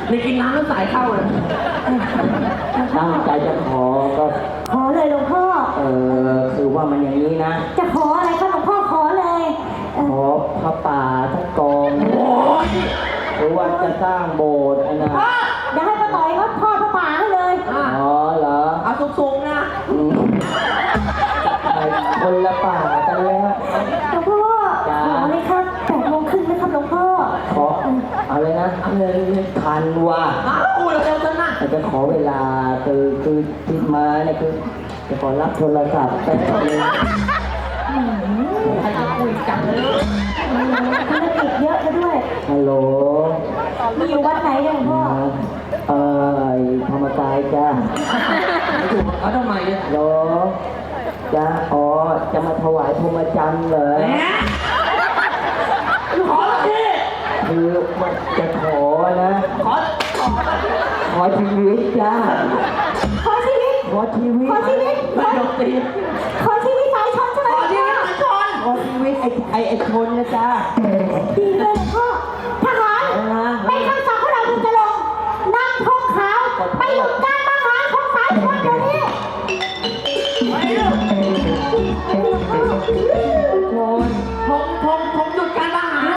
ในกินน้ำแล้วสายเข้าเลยตั้งใจจะขอก็ขอเลยหลวงพ่อคือว่ามันอย่างนี้นะจะขออะไรคะหลวงพ่อขอเลยขอพระป่าทั้งกองหรือว่าจะสร้างโบสถ์นะเดี๋ยวให้ป้าต่อยเขาทอดพระป่าให้เลยอ๋อเหรอเอาสูงๆนะคนละป่ากันแล้วหลวงพ่อขอเลยครับ8:30นะครับหลวงพ่อขอเอาเลยนะเงินพันว่ะพูดเร็วจังนะจะขอเวลาคือที่มาเนี่ยคือจะขอรับโทรศัพท์แป๊บนึงใครจะคุยกันเลยธุรกิจเยอะซะด้วยฮัลโหลมีอยู่วัดไหนเนี่ยหลวงพ่อธรรมกายจ้าถูกเขาทำไมเนี่ยโหลจ้าอ๋อจะมาถวายพรหมจรรย์เหรอขอแล้วพี่คือมันจะขอนะขอชีวิตจ้าขอชีวิตขอชีวิตขอชีวิตไม่ยกตีขอชีวิตสายชนใช่ไหมขอชีวิตสายชนขอชีวิตไอ้ชนนะจ้าดีเลยหลวงพ่อทหารเป็นคำสั่งของเราคุณจะลงนั่งธงขาวไปหยุดการประหารของสายชนเดี๋ยวนี้